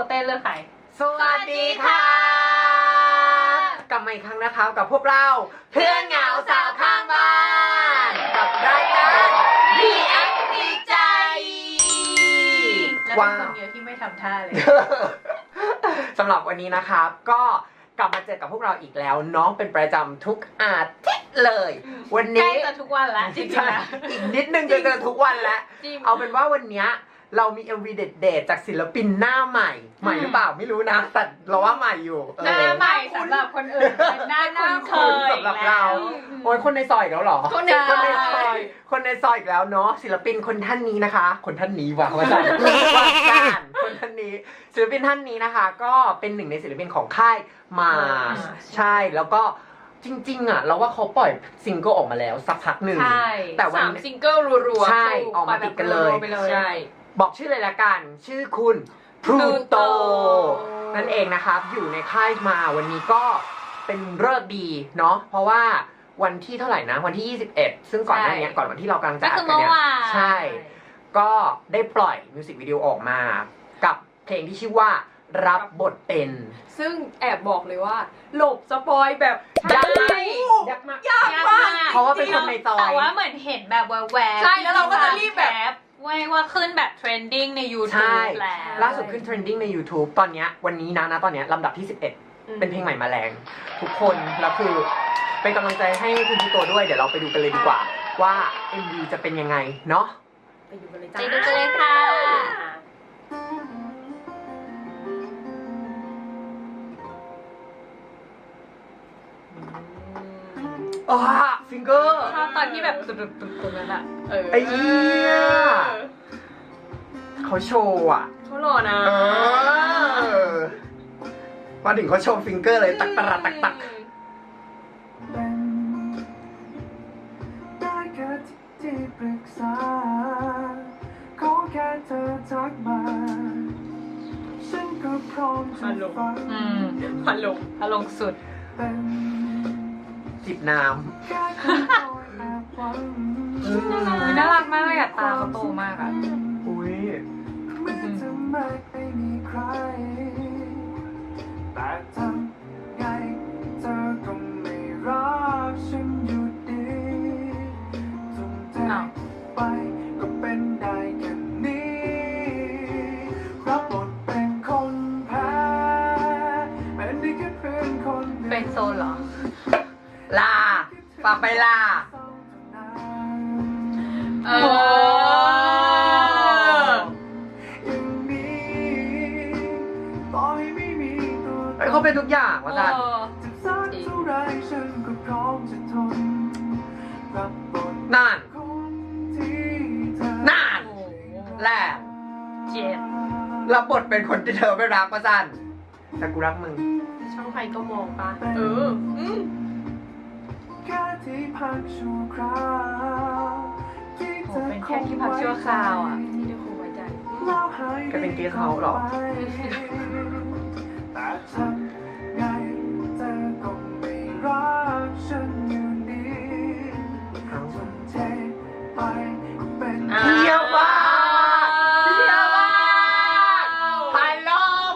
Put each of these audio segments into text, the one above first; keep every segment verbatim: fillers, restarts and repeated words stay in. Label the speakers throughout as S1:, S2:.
S1: เต้เลือกใคร
S2: สวัสดีค่ะกลับมาอีกครั้งนะครับกับพวกเราเพื่อนเหงาสาวข้างบ้านกับรายการ React ดีใจ
S1: แล้วเป็นคนเดียวที่ไม่ทำท่าเลย
S2: สำหรับวันนี้นะครับก็กลับมาเจอกับพวกเราอีกแล้วน้องเป็นประจำทุกอาทิตย์เลยวันนี้
S1: ใกล้จะทุกวันแล้วจริงๆนะ
S2: อีกนิดนึงจะเจอทุกวันแล้วเอาเป็นว่าวันนี้เรามี เอ็ม วี เด็ดๆจากศิลปินหน้าใหม่ใหม่หรือเปล่าไม่รู้นะแต่เราว่าใหม่อยู่
S1: หน้าใหม่สำหรับคนอื่นเป็นหน้าคุ้นเคย
S2: สำหรับเราโอ้ยคนในซอยอีกแล้วเหรอ
S1: คนในซอย
S2: คนในซอยอีกแล้วเนาะศิลปินคนท่านนี้นะคะคนท่านนี้ว่ะว่าจันว่าจันคนท่านนี้ศิลปินท่านนี้นะคะก็เป็นหนึ่งในศิลปินของค่ายมาใช่แล้วก็จริงๆอ่ะเราว่าเขาปล่อยซิงเกิลออกมาแล้วสักพักหนึ่ง
S1: แต่วันซิงเกิลรัวๆ
S2: ใช่ออกมาติดกันเลย
S1: ใช่
S2: บอกชื่อเลยละกันชื่อคุณพลูโตนั่นเองนะครับอยู่ในค่ายมาวันนี้ก็เป็นฤกษ์ดีเนาะเพราะว่าวันที่เท่าไหร่นะวันที่ยี่สิบเอ็ดซึ่งก่อนหน้านี้ก่อนวันที่เรากำลังจะอัดกันเนี่ยใช่ก็ได้ปล่อยมิวสิกวิดีโอออกมากับเพลงที่ชื่อว่ารับบทเป็น
S3: ซึ่งแอบบอกเลยว่าหลบสปอยแบบ
S2: ยากมากยากมาก
S3: ยากมาก
S2: เพราะว่าเป็นคนในซอย
S1: แต่ว่าเหมือนเห็นแบบแวบๆ
S3: ใช่แล้วเราก็จะรีบแบบ
S1: ว่าว่าขึ้นแบบเทรนดิ้งใน YouTube แล้ว
S2: ล่าสุดขึ้นเทรนดิ้งใน YouTube ตอนนี้วันนี้นะนะตอนนี้ลำดับที่สิบเอ็ดเป็นเพลงใหม่มาแรงทุกคนแล้วคือเป็นกำลังใจให้คุณพี่โตด้วยเดี๋ยวเราไปดูกันเลยดีกว่าว่า เอ็ม วี จะเป็นยังไงเนาะ
S3: ไปดูกันเลยจ้า
S1: ไปดูกันเลยค่ะ
S2: อ๋อฟิงเกอร์
S1: ชอบตอนที่แบบตุดๆตรงนั้นอะ
S2: เออไอ้เหี้ยเขาโชว์อ่ะ
S3: เขาหล่อนะ
S2: เออมาถึงเขาโชว์ฟิงเกอร์เลยตักตะตักตัก
S4: ได้แค่ที่ปรึกษาขอแค่เธอทักมาฉันก็พร้อมจะฟัง
S1: อืมพันลงพันลงสุด
S2: จิบน้ำ
S1: น่ารักมากเลยอะตาเขาโตมากอะ
S2: อุ้ย
S4: แต่ทำไงเธอก็ไม่รักฉันอยู่ดีทุ่มเทไปก็เป็นได้แค่นี้รับบทเป็นคนแพ้เป็นได้แค่เพื่อนคนหนึ่ง
S1: เป็นโซนเหรอ
S2: ลาฝากไปลา
S1: เออ
S2: เฮ้ยเขาเป็นทุกอย่างว่าจันนานนานแหละ
S1: เจ็บ
S2: รับบทเป็นคนที่เธอไม่รักว่าจันแต่กูรักมึง
S3: ช่องใครก็มองปะเอออืม
S1: โอ้เป็นแค่ที่พักชั่วคราวอ่ะ
S3: ที่ได้คงไว้ใจ
S2: แกเป็นเกสเฮาส์หรอ
S4: แต่ทำไงเธอก็ไม่รักฉันอยู่ดีทุ่มเทไปก็เป็น
S2: เที่ยวมากเที่ยวมากพายลง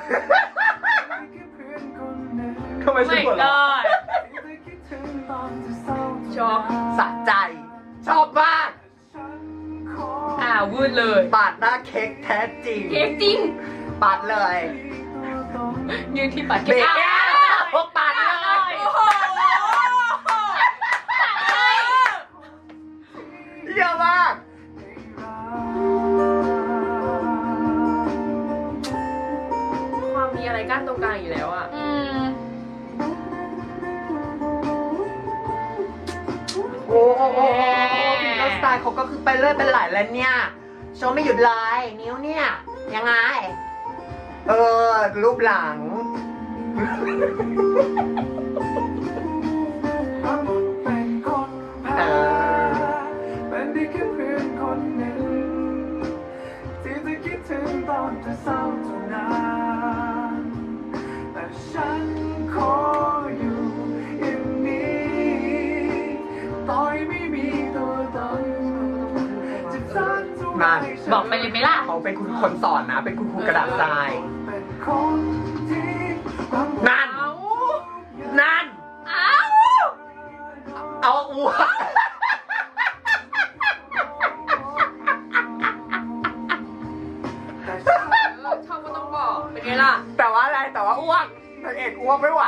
S2: ทำไมฉันปวดร้อน
S3: ชอบ
S2: สะใจชอบมาก
S1: อ่าวูดเลย
S2: ปาดหน้าเค้กแท้จริง
S1: เค้กจริง
S2: ปาดเลย
S1: ยืนที่ปาดเค้ก
S2: พวกปาดเลย
S3: โอ้โห
S2: เยอะมาก
S3: ความมีอะไรกั้นตรงกลางอยู่แล้วอ่ะ
S2: โอ้โหฟิงเกอร์สไตล์เขาก็คือไปเรื่อยเป็นหลายแล้วเนี่ยโชว์ไม่หยุดเลยนิ้วเนี่ยยังไงเออรูปหลัง
S4: เออเป็นได้แค่เพื่อนคนหนึ่งที่จะคิดถึงตอนจะเศร้าเท่านั้นแต่ฉันขออยู่อย่างนี้ต่อยไม่มีตัวตนจะสร้างตัว
S2: นั่น
S1: บอกไปเลยไหมล่ะ
S2: เขาเป็นคุณคนสอนนะเป็นคุณครูกระดาษทราย
S4: คนที่รัก
S2: นั่น
S3: เอา
S2: นั่น
S3: เอา
S2: เอาอ้วก
S4: แต่ฉัน
S3: เออชอบก็ต้องบอกเป็นไงล่ะ
S2: แต่ว่าอะไรแต่ว่าอ้วกนางเอกอ้วกไม่ไหว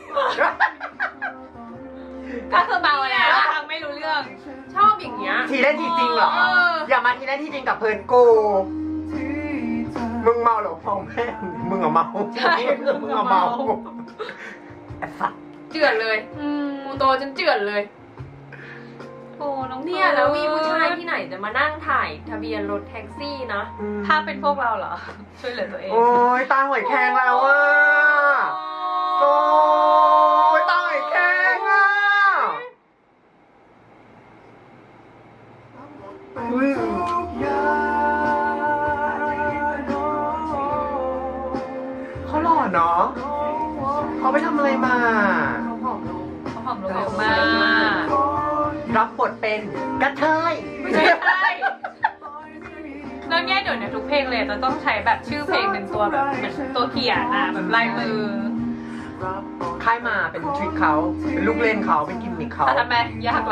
S1: ก็คือเบาแล้วฟังไม่รู้เรื่อง
S3: ชอบอย่างเงี้ย
S2: ทีเล่นทีจริงเหรอ
S3: เออ
S2: อย่ามาทีเล่นทีจริงกับเพื่อนกู
S4: ที่เธอ
S2: มึงเมาหรือเมาแม่งมึงอะเมา
S1: ใช่
S2: มึงอะเมาไอ้สัตว์
S3: เจือนเลย
S1: อืม
S3: กูโตจนเจือนเลย
S1: โอ้น้อง
S3: เนี่ยแล้วมีผู้ชายที่ไหนจะมานั่งถ่ายทะเบียนรถแท็กซี่นะ
S1: ถ้าเป็นพวกเราเหรอ ช่วยเหลือตัวเอง
S2: โอ้ยตาหอยแครงแล้วอ่ะโอ้ยตาหอยแครงอ่ะ
S4: เป็นทุกอย่าง
S2: เขาหล่อเนาะเขาไปทำอะไรมา
S3: เขาผอมลง
S1: เขาหอมลงเร็วมาก
S2: รับบทเป็นกระเทย
S1: ไม่ใช่แล้วเนี่ยเดี๋ยวเนี่ยทุกเพลงเลยจะต้องใช้แบบชื่อเพลงเป็นตัวแบบเหมือนตัวเขียนอ่ะแบบลายมือ
S2: ค่ายมาเป็นทริคเขาเป็นลูกเล่นเขาเป็นกิมมิคเขา
S1: แต่ทำไมยากเรา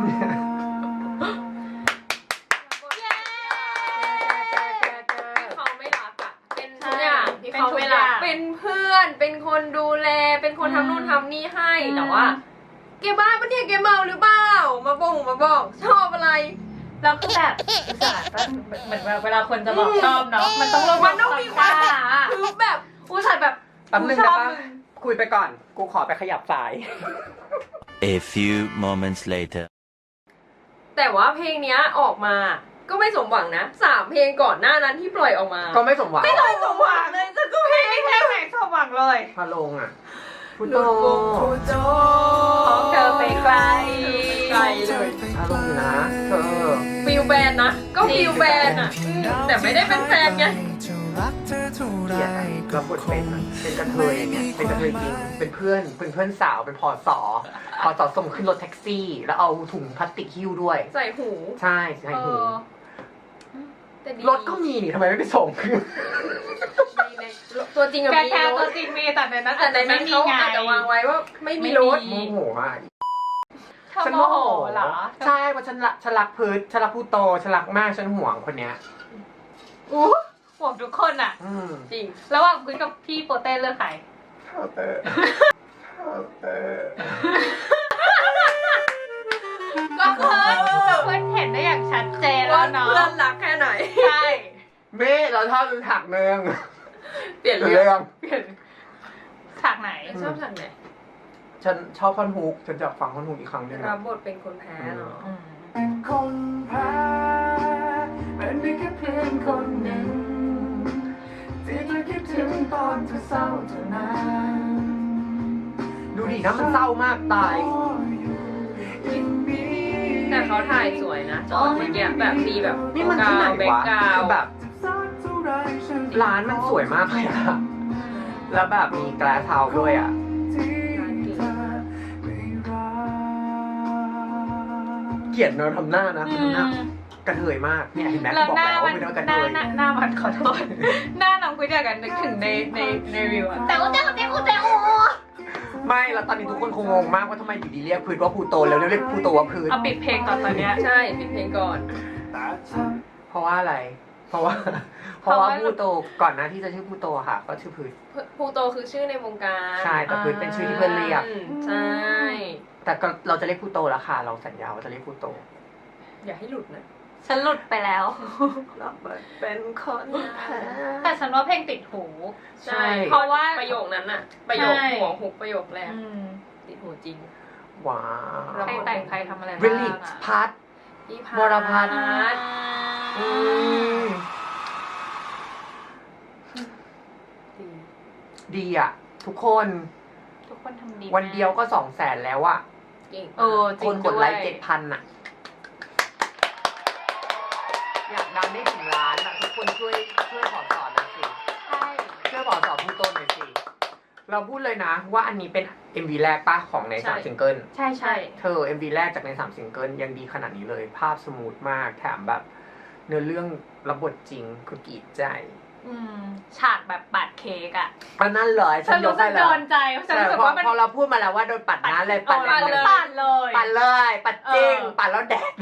S3: เขาไม่รักอ่ะ เป็นทุกอย่างที่เขาไม่รัก เป็นเพื่อน เป็นคนดูแล เป็นคนทำนู่นทำนี่ให้ แต่ว่าแกบ้าปะเนี่ยแกเมาหรือเปล่า มาบ่งมาบอกชอบอะไร
S1: แล้วคือแบบอุตส่าห์แบบเหมือนแบบเวลาคนจะบอกชอบเนาะมันต้องลง
S3: มันต้องมีความ
S1: อ่ะ
S3: คือแบบ
S1: อุตส่าห์แบบ
S2: แป๊บนึง
S1: ช
S2: นะ
S1: อบ
S2: ปะ
S1: มึง
S2: คุยไปก่อน กูขอไปขยับสาย
S5: A few moments later.
S3: แต่ว่าเพลงเนี้ยออกมา ก็ไม่สมหวังนะสามเพลงก่อนหน้านั้นที่ปล่อยออกมา
S2: ก็ไม่สมหวัง
S1: ไม่เคยสมหวังเลยจะก็เพลงแค่เพลงสมหวังเลย
S2: พาลงอ่ะพุท
S3: ห
S2: โธ
S3: ลุดวงโคจร
S1: ของเธอไปไกล
S3: ไกลเลย
S2: พาลงอยู่นะเธอ
S3: ฟิลแบนนะ ก็ฟิลแบนอ่ะอืมแต่ไม่ได้เป็นแฟนไง
S2: เกลียดอะรับบทเป็นอะเป็นกระเทยอย่างเงี้ยเป็นกระเทยจริง เป็นเพื่อน เป็นเพื่อนสาว เป็นพอสอพอสอส่งขึ้นรถแท็กซี่ แล้วเอาถุงพลาสติกหิ้วด้วย
S3: ใส่หู
S2: ใช่ใช่หู
S3: แต่ดี
S2: รถก็มีนี่ทำไมไม่ไปส่ง
S3: ในในตัวจริงอะ
S1: แก
S3: มี
S1: แค่
S3: ร
S1: ตัว
S3: ถ
S1: จริงมีแต่ในนั้น
S3: แต่
S1: อาจ
S3: ใน
S1: จะไม่
S3: นั้น
S1: มี
S3: เขา
S1: ไง
S3: อาจจะวางไว้ว่าไม่มีรถ
S2: โมโหอ่ะ
S1: เธอโมโหเหรอ
S2: ใช่เพราะฉันรักฉันรักพืชฉันรักผู้โตฉันรักมากฉันห่วงคนเนี้ย
S1: อู้ห่วงทุกคนอ่ะ
S2: อืม
S3: จริง
S1: ระหว่างคุณกับพี่โปเต้เลือกใคร
S2: เท่าเตอร์เท่าเตอร์
S1: ก็เพื่อนเพื่อนเห็นได้อย่างชัดเจนแล้ว
S3: ว่า
S1: เนาะ
S3: เพื่อนรักแค่ไหน
S1: ใช่
S2: เม่เราชอบดูถักเนือง
S3: เปลี่ยน
S2: เรื่
S3: เรื่อ
S2: อง ง
S1: ฉากไหน
S3: ชอบฉากไหน
S2: ฉันชอบท่อนฮุกฉันจะฟังท่อนฮุกอีกครั้งหนึง
S3: รั
S2: อะ
S3: บบทเป็นคนแพ้เนาะ
S1: อืม
S4: เป็นคนแพ้เป็นได้แค่เพียงคนหนึ่ง ที่จะคิดถึงตอนเธอเศร้าเท่านั้น
S2: ดูดินะมันเศร้ามากตาย
S3: แต่เขาถ่ายสวยนะจอดเมื่อกี้แบบดีแบบ
S2: นี่มันที่ไหน
S3: แบ็คว
S2: ะ
S3: กราว
S2: คือแบบ ร้านมันสวยมากเลยอะแล้วแบบมีแกลสเฮาส์ด้วยอะเกลียดเนอะทำหน้านะทำหน้ากระเทยมากเนี่ยเห็นไหม
S1: แล้ว
S2: บอก
S1: หน้า
S2: แล้ว
S1: มั
S2: ว่าน เป็นกระ
S1: ห
S2: เท
S1: น้าย หน้าหน้ามันขอโทษ หน้าน้องคุยเดียวกันนึกถึงในในในวิวอะแต่ว่าแต่ว่าแต่ว่าแต่ว่า
S2: ไม่แล้วตอนนี้ทุกคนคงงงมากว่าทำไมอยู่ดีเรียกพืชว่าพูโตแล้วเรียกพูโตว่าพืช
S1: เอาปิดเพลงก่อนตอนเนี้ย
S3: ใช่ปิดเพลงก่อน
S2: เพราะว่าอะไร เพราะว่า เพราะว่าพูโตก่อนหน้าที่จะชื่อพูโตอะค่ะ ก็ชื่อพืช
S3: พลูโตคือชื่อในวงการ
S2: ใช่แต่พืชเป็นชื่อที่เพื่อนเรียก
S3: อืมใช่
S2: แต่ก็เราจะเรียกพูโตแล้วค่ะ เราสัญญาว่าจะเรียกพูโต
S3: อย่าให้หลุดนะ
S1: ฉันหลุดไปแล้ว
S3: รับบทเป็นคนแพ้
S1: แต่ฉันว่าเพลงติดหู
S3: ใช่
S1: เพราะว่า
S3: ประโยคนั้นอะประโยค
S1: ใช่
S3: หัวหุกประโยคแรก
S1: อืม
S3: ติดหูจริง
S2: ว้า
S1: ใครแต่งใครทำอะไร
S2: วิ
S1: บ้าง
S2: ลลิ
S1: อะ
S2: พัท
S3: พี่
S2: วรพัฒน์
S3: ฒน์
S2: อืม
S3: ดี
S2: ดีอ่ะ ทุกคน
S1: ทุกคนทำดี
S2: วันเดียวก็สองแสนแล้วอ่ะ
S3: เก่ง
S1: เออจริ
S2: ค
S1: ง
S2: นกดไลค์
S1: วย
S2: เจ็ดพันอ่ะ อยากดังได้ถึงล้านอ่ะ ทุกคนช่วยช่วยขอสอนหน่อยสิ
S1: ใช่
S2: ช่วยขอสอนพูโตหน่อยสิ เราพูดเลยนะ ว่าอันนี้เป็น เอ็ม วี แรกป้าของในสามซิงเกิล
S1: ใช่ใช่
S3: ใช่
S2: เธอ เอ็ม วี แรกจากในสามซิงเกิลยังดีขนาดนี้เลย ภาพสมูทมาก แถมแบบ เนื้อเรื่องรับบทจริงคือกรีดใจ
S1: อืมฉากแบบปัดเค้กอ่ะ
S2: มันนั่นเลยฉั
S1: ฉั
S2: น
S1: น
S2: ย
S1: รู้
S2: ก
S1: สึ
S2: ให้
S1: ก
S2: เล
S1: โด
S2: ย
S1: นใจฉัน
S2: ใช่
S1: รู้สึก
S2: พอ
S1: ว่ามัน
S2: พอเราพูดมาแล้วว่าโดนปัดน้ำเลยปัด
S1: ปัด
S2: เลย
S1: ปัดเลย
S2: ปัดเลย ปัดจริง
S1: เออ
S2: ปัดแล้วแดก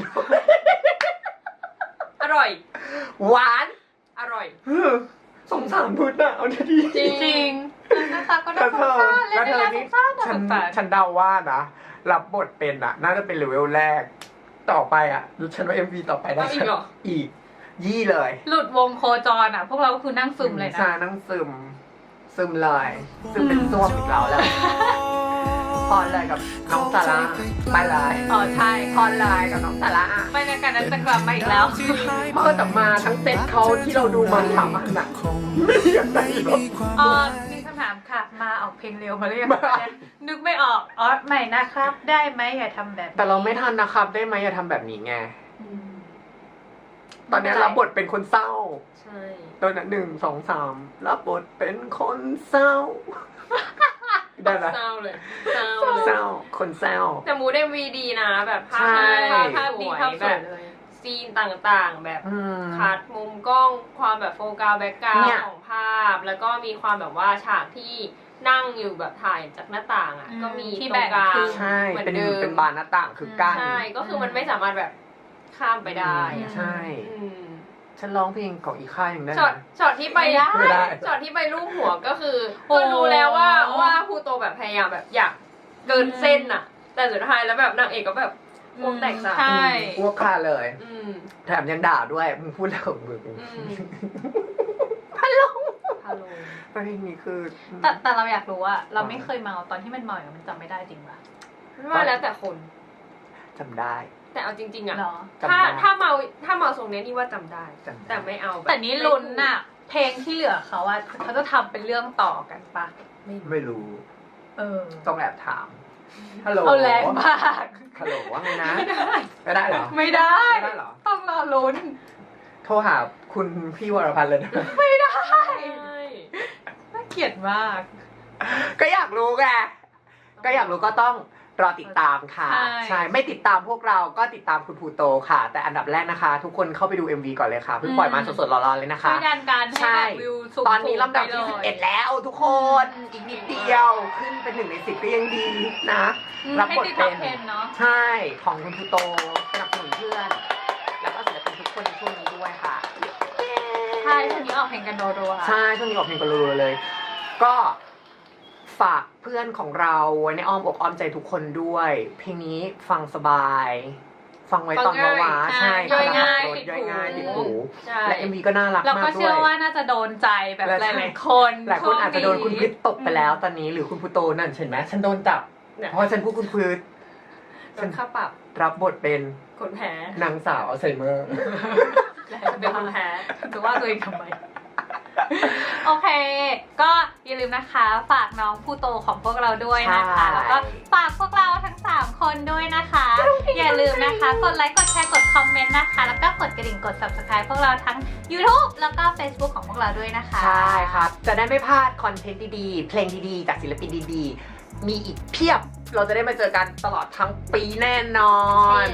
S3: อร่อย
S2: หวาน
S3: อร่อย
S2: สงสารพุทธอะเอาดี
S3: จริง
S1: จริงหน้าตาก็
S2: แต่
S1: น่าส
S2: เธ
S1: ง
S2: อ
S1: สารเล่
S2: แล้ว
S1: น
S2: เธ
S1: ได้
S2: อ
S1: น่าส
S2: นี่
S1: งสารน่า
S2: ฉั
S1: ส
S2: น
S1: งสาร
S2: ฉันเดาว่านะ รับบทเป็นอะน่าจะเป็นเลเวลแรก ต่อไปอะฉันว่าเอ็มวีต่อไปได้
S3: เอาอีกเหรอ
S2: อีก ยี่เลย
S1: หลุดวงโคจรอ่ะ พวกเราก็คือนั่งซึมเลยนะ
S2: ชานั่งซึม ซึมเลย ซึมเป็นส้วมอีกแล้วแหละพรเลยกับน้องสาระไปเลย
S1: อ๋อใช่
S2: พรเลยกับน้องสาระ
S1: บรรยากาศนั้นจะกลับมาอีกแล้ว
S2: เมื่อแต่มาทั้งเซตเขาที่เราดูมาสามอันอะไม่อยากได้หรอก
S1: อ๋อมีคำถามค่ะ มาออกเพลงเร็วมาหรือยังนึกไม่ออก อ๋อใหม่นะครับ ได้ไหมอย่าทำแบบนี้
S2: แต่เราไม่ทันนะครับ ได้ไหมอย่าทำแบบนี้ไง
S3: อืม
S2: ตอนนี้รับบทเป็นคนเศร้า
S3: ใช่
S2: ตอนนั้นหนึ่งสองสามรับบทเป็นคนเศร้า ได้ไหม
S3: เศร้าเลยเศร้า
S2: เศร้า คนเศร้า
S3: แต่มูดเอ็มวีดีนะ แบบภาพ
S2: ใช่
S3: ภาพ
S1: ภาพ
S3: ส
S1: ดี
S3: วย
S1: ภาพส
S3: แบ
S1: วย
S3: บ
S1: เลย
S3: ซีนต่างๆ แบบ
S2: อืม
S3: คัดมุมกล้องความแบบโฟกัสแบ็กกราว
S2: เนี่ย
S3: ของภาพ แล้วก็มีความแบบว่าฉากที่นั่งอยู่แบบถ่ายจากหน้าต่างอ่ะ
S1: อืม
S3: ก็มี
S1: ที่
S3: ตรงกลาง
S1: แบ่งครึ่ง
S2: ใช่
S3: เหมือน
S2: เป็น
S3: เดิม
S2: เป็นบานหน้าต่างคือกั้น
S3: ใช่ก็คือมันไม่สามารถแบบข้ามไปได้
S1: อืม
S3: อะ
S2: ใช่
S3: อืม
S2: ฉันร้องเพลงของอีกค่ายหนึ่งได้ไห
S3: ช็อต
S2: ม
S3: ช็อตที่ไป
S1: ไม่ได้
S2: ไม่ได้
S3: ช็อตที่ไปรูปหัวก็คือ
S1: โอ้
S3: ก็รู้แล้วว่าว่าภูโตแบบพยายามแบบอยากเกินเส้นอ่ะ แต่สุดท้ายแล้วแบบนางเอกก็แบบพวกแตกสา
S1: ใช่
S2: อ้วกคาเลย
S3: อืม
S2: แถมยังด่าด้วย มึงพูดแล้วของมึง
S3: อืม
S2: พันลง
S3: ฮัลโหล
S2: เพลงนี้คือ
S1: แต่แต่เราอยากรู้ว่าเราไม่เคยเมาตอนที่มันเมาอย่างมันจำไม่ได้จริงปะ
S3: ว่าแล้วแต่คน
S2: จำได้
S3: แต่เอาจริง ๆอ่ะ
S1: เหรอ
S2: จำ
S3: ถ้า
S2: ได้
S3: ถ้าเมาถ้าเมาทรงเนี้ยนี่ว่าจำได้
S2: จำได้
S3: แต่ไม่เอาบบ
S1: แต่นี่ลุ้นน่ะ เพลงที่เหลือเขาว่าเขาจะทำเป็นเรื่องต่อกันปะ
S2: ไม่รู้
S1: เออ
S2: ต้องแอบถาม ฮัลโหล
S1: เอาแรงมาก
S2: ฮัลโหลว่าไงนะ ไม่ได้เหรอ
S1: ไม่ได้
S2: ไม่ได้เหรอ
S1: ต้องรอลุ้น
S2: โทรหาคุณพี่วรพันธ์เลยนะ
S1: ไม่ได้
S3: ใช่
S1: น่าเกลียดมาก
S2: ก็อยากรู้ไง ก็อยากรู้ก็ต้องรอติดตามค่ะ
S1: ใช่
S2: ใช่ ไม่ติดตามพวกเราก็ติดตามคุณภูโตค่ะ แต่อันดับแรกนะคะ ทุกคนเข้าไปดู เอ็ม วี ก่อนเลยค่ะ เพิ่งปล่อยมาสดๆร้อนๆเลยนะคะ
S1: ช่วยดันการให้
S2: ใช่
S1: แบบวิวสูงๆ
S2: ตอนนี้ลำดับที่
S1: ไป
S2: สิบ
S1: ลย
S2: เอ็ดแล้วทุกคน อีกนิดเดียว ขึ้นเป็นหนึ่งในสิบก็ยังดีนะ
S1: อืม
S2: รับบท
S1: ให้ติดท็
S2: เป็
S1: อป
S2: น
S1: เทนเนาะ
S2: ใช่ ของคุณภูโตสนับสนุนเพื่อน แล้วก็ศิลปินทุกคนในช่วงนี้ด้วยค่ะ
S1: ใช่ช่วงนี้ออกเพลงกันรัวๆ
S2: ใช่ ช่วงนี้ออกเพลงกันรัวๆเลย ก็ฝากเพื่อนของเราไว้ในอ้อมอกอ้อมใจทุกคนด้วย เพลงนี้ฟังสบาย ฟังไว้ตอนว้าว้าใช่
S1: ย่อยง่าย
S2: ขณะขับรถ
S1: ติด
S2: ย่อยง่าย
S1: หู
S2: ติดหู
S3: ใช่
S2: และ เอ็ม วี ก็น่ารัก
S1: เรา
S2: มา
S1: ก็
S2: กด้
S1: เชื่
S2: ว
S1: อย ว่าน่าจะโดนใจแบบ
S2: และ
S1: ห
S2: ใช่
S1: ลายๆคน
S2: หลายคนอาจจะโดนคุณพฤษตกไปแล้ว
S1: อืม
S2: ตอนนี้หรือคุณพุโตนั่นเห็นไหมฉันโดนจับ
S3: เนี่ย
S2: เพราะฉันพูดคุณพฤษ
S3: โดนค่าปรับ
S2: รับบทเป็น
S3: คนแพ้
S2: นางสาวอัลไซเมอร์
S3: เป็นคนแพ้
S1: จะว่าตัวเองทำไม โอเค ก็อย่าลืมนะคะ ฝากน้องผู้โตของพวกเราด้วยนะคะ
S2: ใช่
S1: แล้วก็ฝากพวกเราทั้งสามคนด้วยนะคะ อย่าลืมนะคะ กดไลค์ กดแชร์ กดคอมเมนต์นะคะ แล้วก็กดกระดิ่ง กด subscribe พวกเราทั้ง YouTube แล้วก็ Facebook ของพวกเราด้วยนะคะ
S2: ใช่ครับ จะได้ไม่พลาดคอนเทนต์ดีๆ เพลงดีๆ จากศิลปินดีๆ มีอีกเพียบ เราจะได้มาเจอกันตลอดทั้งปีแน่นอน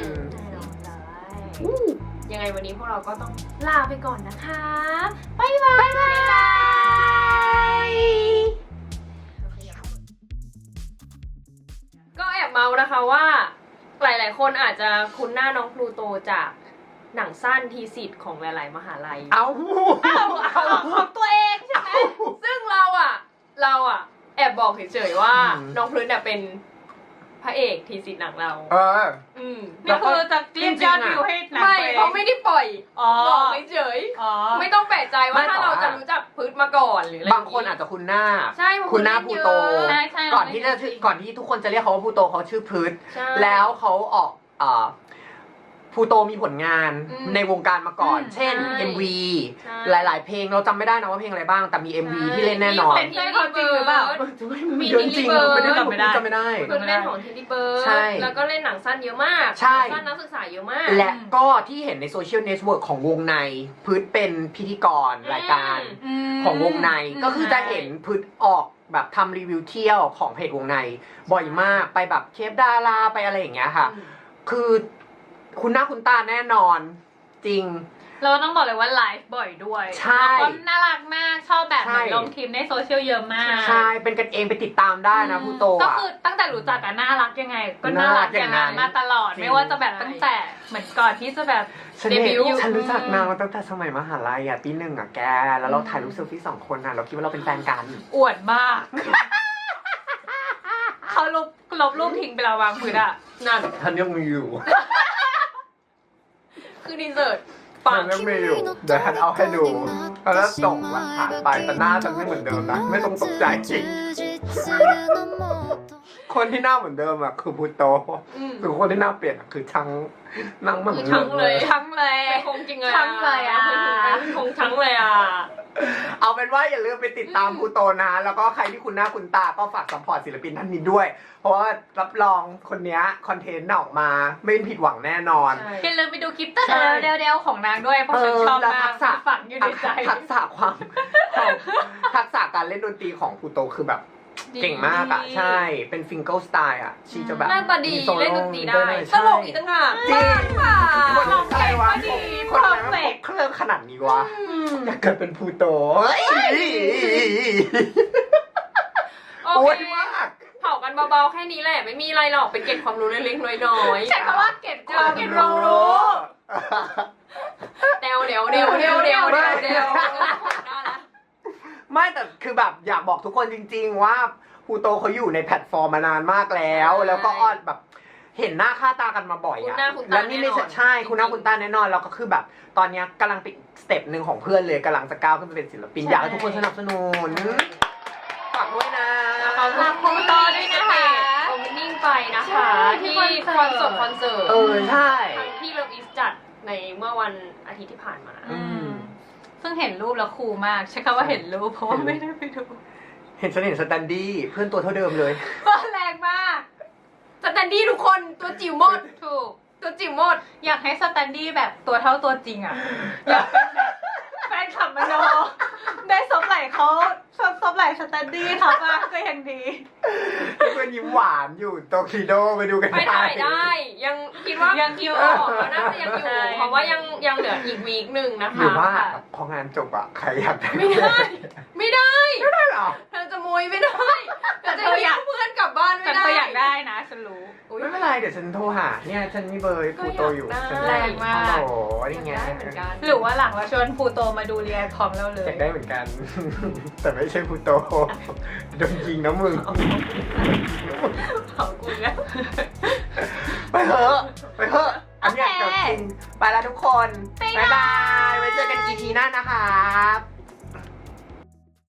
S3: ยังไงวันนี้พวกเราก็ต้องลาไปก่อนนะคะ
S1: บ๊ายบาย บ๊ายบาย
S3: ก็แอบเมานะคะว่า หลายๆ คนอาจจะคุ้นหน้าน้องพลูโตจากหนังสั้นทีสิทธิ์ของหลายๆ มหาลัย
S2: เอา
S1: เอาของตัวเองใช่ไหม
S3: ซึ่งเราอ่ะ เราอ่ะ แอบบอกเฉยๆว่า
S2: อืม
S3: น้องพลูเนี่ยเป็นพระเอกทีสิทธิ์หนังเรา
S2: เออ
S3: อืม
S1: นี่คือจะเรียกยอดวิวให้หนัง
S3: ไม่
S1: ตัวเอง
S3: เขาไม่ได้ปล่อย
S1: อ๋อ
S3: บอกเฉย
S1: อ๋อ
S3: ๆไม่ต้องแปลกใจว่า
S2: ไม่
S3: ถ้า
S2: แต่
S3: เรา
S2: ว่า
S3: จะรู้จักพืชมาก่อนหรืออะไร
S2: บางคนอาจจะคุ้นหน้า
S3: ใช่เพราะ
S2: คุณหน้า
S3: เล่
S2: ภู
S3: เยอะ
S2: โต
S1: ใช่ใช่
S2: ก่อนที่จะชื่อก่อนที่ทุกคนจะเรียกเขาว่าภูโตเขาชื่อพืช
S3: ใช่
S2: แล้วเขาออกเอ่อภูโตมีผลงาน
S3: อืม
S2: ในวงการมาก่อน
S1: อืม
S2: เช่น
S3: ใช่
S2: เอ็ม วี
S3: ใช่
S2: หลาย ๆ เพลงเราจำไม่ได้นะว่าเพลงอะไรบ้าง แต่มี เอ็ม วี ที่เล่นแน่นอน
S3: มี
S1: ใช่เขาจริงหรือเปล่า
S3: มี
S2: เยอะจริง
S3: Tilly Bird
S2: ไม่ได้
S1: จำไม่ได้
S2: จำไม่ได้
S3: เพื่อนเล่นของทีดีเบิร์ด
S2: ใช่
S3: แล้วก็เล่นหนังสั้นเยอะมาก
S2: ใช่
S3: หนังสั้นนักศึกษาเยอะมาก
S2: และก็ที่เห็นในโซเชียลเน็ตเวิร์กของวงในพืชเป็นพิธีกรรายการ
S3: อืม
S2: ของวงใน
S1: อืม
S2: ก็คือจะเห็นพืชออกแบบทำรีวิวเที่ยวของเพจวงใน บ่อยมากไปแบบเคปดาราไปอะไรอย่างเงี้ยค่ะ คือคุณหน้าคุณตาแน่นอนจริง
S1: เราต้องบอกเลยว่าไลฟ์บ่อยด้วย
S2: ใช่
S1: แล้วก็น่ารักมากชอบแบบ
S2: ใช่
S1: เหมือนลงคลิปในโซเชียลเยอะมาก
S2: ใช่เป็นกันเองไปติดตามได้นะพูโต
S1: ก็
S2: อ่ะ
S1: คือตั้งแต่รู้จักกันน่ารักยังไง ก็น่า
S2: น่ารั
S1: รั
S2: ก
S1: ก
S2: อ
S1: อย่าง
S2: ย่างนั้
S1: นั้น นมาตลอด
S2: จริง
S1: ไม่ว่าจะแบบตั้งแต่เหมือนก่อนที่จะแบบ
S2: ฉัน
S1: เด
S2: เห็
S1: บิ
S2: น
S1: วต์
S2: ฉันรู้จักนางมาตั้งแต่สมัยมหาลัยอ่ะปีหนึ่งอ่ะแก แล้วเราถ่ายรูปเซลฟี่สองคนอ่ะเราคิดว่าเราเป็นแฟนกัน
S1: อวดมาก เขาลบลบรูปทิ้งไปแล้ววางพื้นอ่ะ
S3: นั่น
S2: ฉันยังมีอยู่
S3: คือดีเซิร์ต
S2: ฉั
S3: ปัง
S2: นยังมีอยู่ เดี๋ยวฉันเอาให้ดูแล้วส่งหลักฐานไปแต่หน้าฉันไม่เหมือนเดิมนะ ไม่ต้องตกใจจริง คนที่หน้าเหมือนเดิมอ่ะคือพูโต
S3: อืม
S2: คือคนที่หน้าเปลี่ยนอะคือช่างนั่งเหมือน
S3: คือ
S2: ดิ
S3: ช่าง
S2: ม
S3: เลย
S1: ทั้งเลย
S3: เป็นคงจริงเลย
S1: ทั้งเลยอะ
S3: เป็นคงทั้งเลยอ่ะ
S2: เอาเป็นว่าอย่าลืมไปติดตามพูโตนะ แล้วก็ใครที่คุณหน้าคุณตาก็ฝากซัพพอร์ตศิลปินท่านนี้ด้วย เพราะว่ารับรองคนเนี้ยคอนเทนต์ออกมาไม่ผิดหวังแน่นอน
S3: ใช่
S1: อย่าลืมไปดูคลิปเตอร์
S2: ใช่
S1: เดวๆของนางด้วยเพราะฉันชอบ
S2: แล้ว
S1: มา
S2: ทั
S1: ก
S2: กษะ
S1: ฝังอยู่ในใจ
S2: ทักษะความความทักษะการเล่นดนตรีของพูโตคือแบบเก่งมากอ่ะ ใช่ เป็นฟิงเกิลสไตล์อ่ะ ชีจะแบบ
S3: หน้าตาดี
S2: มีโซโ
S3: เล่นดนตรีได้
S2: วย
S3: ตลกอีกต่างหาก
S2: จริง
S3: ค่ะ
S2: คนอะไรวะ
S1: ดี
S2: คนอะไรมัน
S1: perfect
S2: พกเครื่องขนาดนี้วะ อยากเกิดเป็นพูโตเฮ้ย
S3: โอ
S2: อ้วน
S3: เค
S2: มาก
S3: เผากันเบาๆแค่นี้แหละ ไม่มีอะไรหรอกเป็นเก็บความรู้เล็กๆน้อยๆ
S1: ใช้คำว่าเก็บความ
S3: เก็บ
S1: รู้
S3: รู้ เดวเดวเดวเดวเดวเดวเดวได้ละ
S2: ไม่แต่คือแบบอยากบอกทุกคนจริง ๆ ว่าพูโตเขาอยู่ในแพลตฟอร์มมานานมากแล้ว แล้วก็อ้อนแบบเห็นหน้าค่าตากันมาบ่อย
S3: คุณ
S2: อะ
S3: หน้าคุณตา
S2: แล้วนี่ไม่ใช่
S3: แน่นอน
S2: ใช่คุณหน้า
S3: จริงๆ
S2: คุณตาแน่นอนแล้วก็คือแบบ ตอนเนี้ยกำลังเป็นสเต็ปหนึ่งของเพื่อนเลยกำลังจะก้าวขึ้นไปเป็นศิลปินอยากให้ทุกคนสนับสนุนฝากด้วยนะ
S3: ขอบคุณคุณต่อด้วยนะคะ
S1: โอ
S3: โอ
S1: เ
S3: เ n นิ่งไปนะคะ
S1: ที่
S3: ที่
S1: ค
S3: ค
S1: อ
S3: อน น
S1: เสิ
S3: เสิ
S1: ร์
S3: ร์
S1: ต
S3: ตคอนเสิร์ต
S2: เออใช่
S3: ทั้งที่เลิฟอีสจัดในเมื่อวันอาทิตย์ที่ผ่านมา
S2: อืม
S1: ซึ่งเห็นรูปแล้วคูลมากใช้คำว่าเห็นรูปเพราะว่าไม่ได้ไปดู
S2: เห็นฉันเห็นสแตนดี้เพื่อนตัวเท่าเดิมเลย
S1: ก็แรงมาก
S3: สแตนดี้ทุกคนตัวจิ๋วหมด
S1: ถูก
S3: ตัวจิ๋วหมด
S1: อยากให้สแตนดี้แบบตัวเท่าตัวจริงอ่ะ อยากเป็นแบบแฟนคลับมโนได้ซบไหล่เขาซบซบไหล่สแตนดี้เขาบ้างก็ยังดี
S2: เพื่อนยิ้มหวานอยู่โตคิโดไปดูกัน
S3: ไปถ่ายได้ ยังคิดว่า
S1: ยังอยู่
S3: ออกแล้วน่าจะยังอยู่
S1: ใช่
S3: เพราะว่ายังยังเหลืออีกวีคหนึ่งนะ
S2: หรือ
S3: คะ
S2: ว่าพองานจบอะใครอยากได้
S3: ไม่ได้ ไม่ได้
S2: ไม่ได้หรอ
S3: เธอจะมวยไม่ได้เธอจะเรียกเพื่อนกลับบ้าน
S1: แต่
S3: ไม่ได้
S1: เธออยากได้นะฉันรู้
S3: อุ๊ย
S2: ไม่เป็นไรเดี๋ยวฉันโทรหาเนี่ยฉันมีเบอร์พูโตอยู่
S3: ก็อยากได้
S2: ฉัน
S1: แรงมาก
S2: ฮัลโหลนี่ไง
S3: อยากได้เหมือนกัน
S1: หรือว่าหลังเราชวนภูโตมาดูเรียนพร้อมเราเล
S2: อย ยากได้เหมือนกัน แต่ไม่ใช่พูโตโดนยิงนะมึง
S1: เผากูแล้ว
S2: ไปเถอะไปเถอะอันเนี้ย
S1: โอเค
S2: เดี๋ยวจริงไปแล้วทุกคน
S1: บ๊าย
S2: บ๊าย
S1: บา
S2: บาย ยไว้เจอกันอีพีหน้านะครับ